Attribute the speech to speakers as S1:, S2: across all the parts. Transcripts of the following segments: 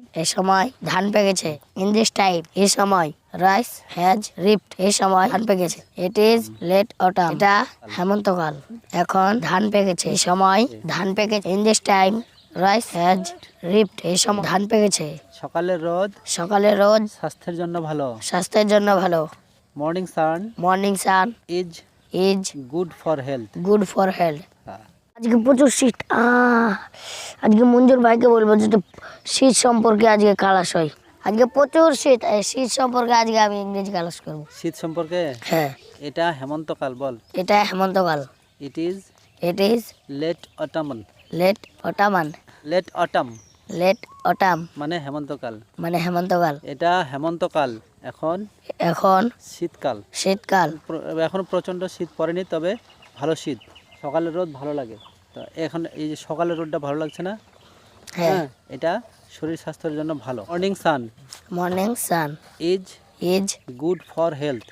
S1: এই সময় ধান পেকেছে। ইন দিস টাইম এই সময় রাইস হ্যাজ রিপড এই সময় ধান পেকেছে। ইট ইজ লেট অটাম এটা হেমন্তকাল। এখন ধান পেকেছে। এই সময় ধান পেকেছে। In this time rice has ripped এই সময় ধান পেকেছে।
S2: সকালের রোদ
S1: সকালের রোদ
S2: স্বাস্থ্যের জন্য ভালো।
S1: স্বাস্থ্যের জন্য ভালো।
S2: Morning sun
S1: morning sun
S2: is
S1: is
S2: good for health.
S1: Good for health. আজকে প্রচুর শীত। আজকে মঞ্জুর ভাইকে বলবো যে শীত সম্পর্কে আজকে ক্লাস হয়। আজকে প্রচুর শীত। এই শীত সম্পর্কে আজকে আমি ইংরেজি ক্লাস করবো।
S2: শীত সম্পর্কে?
S1: হ্যাঁ।
S2: এটা হেমন্তকাল বল।
S1: এটা হেমন্তকাল।
S2: It is
S1: late
S2: autumn.
S1: Late autumn
S2: মানে হেমন্তকাল।
S1: হেমন্তকাল।
S2: এটা হেমন্তকাল। এখন শীতকাল। এখন প্রচন্ড শীত পড়েনি, তবে ভালো শীত। সকালের রোদ ভালো লাগে। তো এখন এই যে সকালের রোদটা ভালো লাগছে না?
S1: হ্যাঁ।
S2: এটা শরীর স্বাস্থ্যের জন্য ভালো।
S1: Morning sun is
S2: good for health.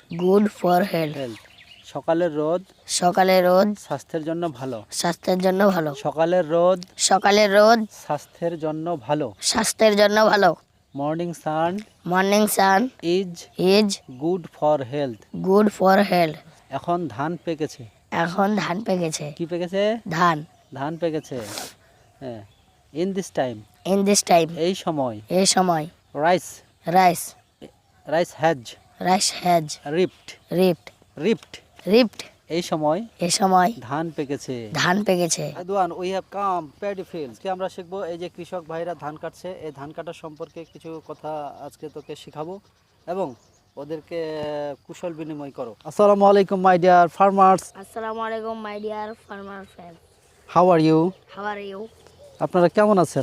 S2: সকালের রোদ স্বাস্থ্যের জন্য ভালো। সকালের রোদ স্বাস্থ্যের জন্য ভালো। Morning sun
S1: is
S2: good for health. এখন ধান পেকেছে। কি পেকেছে? ধান পেকেছে। হ্যাঁ। ইন দিস টাইম এই সময় রাইস হ্যাজ রিপড এই সময় ধান পেকেছে। We have come paddy fields. আমরা শিখবো এই যে কৃষক ভাইরা ধান কাটছে, এই ধান কাটার সম্পর্কে কিছু কথা আজকে তোকে শিখাবো এবং ওদেরকে কুশল বিনিময় করো। আসসালামু আলাইকুম my dear farmers. How are you? আপনারা কেমন আছেন?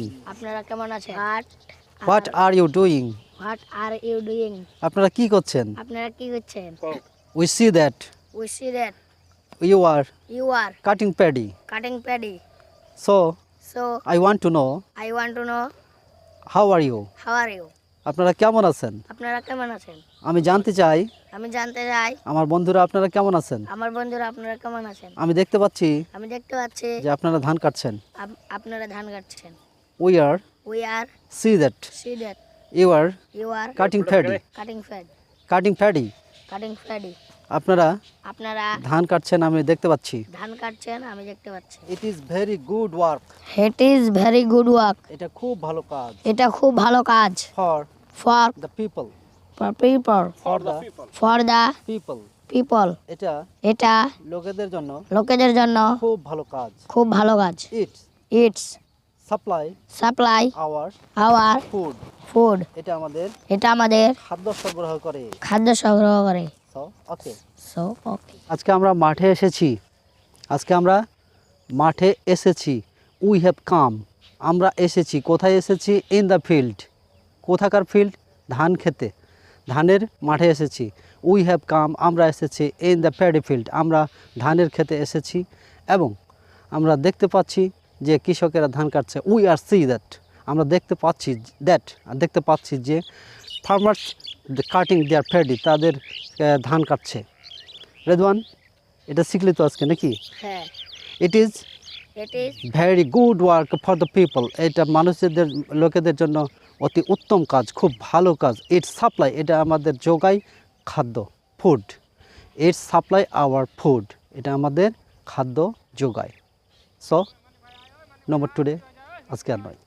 S2: What are you doing? আপনারা কি করছেন? We see that you are cutting paddy. So I want to know how are you? আপনারা কেমন আছেন? আমি জানতে চাই আমার বন্ধুরা আপনারা কেমন আছেন। আমি দেখতে পাচ্ছি যে আপনারা ধান কাটছেন। We are see that you are cutting paddy. আপনারা ধান কাটছেন, আমি দেখতে পাচ্ছি। It is very good work. এটা খুব ভালো কাজ। For the people. এটা লোকেদের জন্য খুব ভালো কাজ। It's supply our food. এটা আমাদের খাদ্য সরবরাহ করে। আজকে আমরা মাঠে এসেছি। উই হ্যাভ কাম আমরা এসেছি। কোথায় এসেছি? In the field. কোথাকার ফিল্ড? ধান খেতে, ধানের মাঠে এসেছি। উই হ্যাভ কাম আমরা এসেছি। ইন দ্য প্যাডি ফিল্ড আমরা ধানের খেতে এসেছি এবং আমরা দেখতে পাচ্ছি যে কৃষকেরা ধান কাটছে। উই আর সি দ্যাট আমরা দেখতে পাচ্ছি যে ফার্মার্স কাটিং দেয়ার প্যাডি তাদের ধান কাটছে। রেদওয়ান, এটা শিখলি তো আজকে নাকি? It is very good work for the people. এটা লোকেদের জন্য অতি উত্তম কাজ, খুব ভালো কাজ। ইটস সাপ্লাই এটা আমাদের যোগায় খাদ্য, food. It's supply our food এটা আমাদের খাদ্য যোগায়। সো নম্বর টুডে আজকে আর নয়।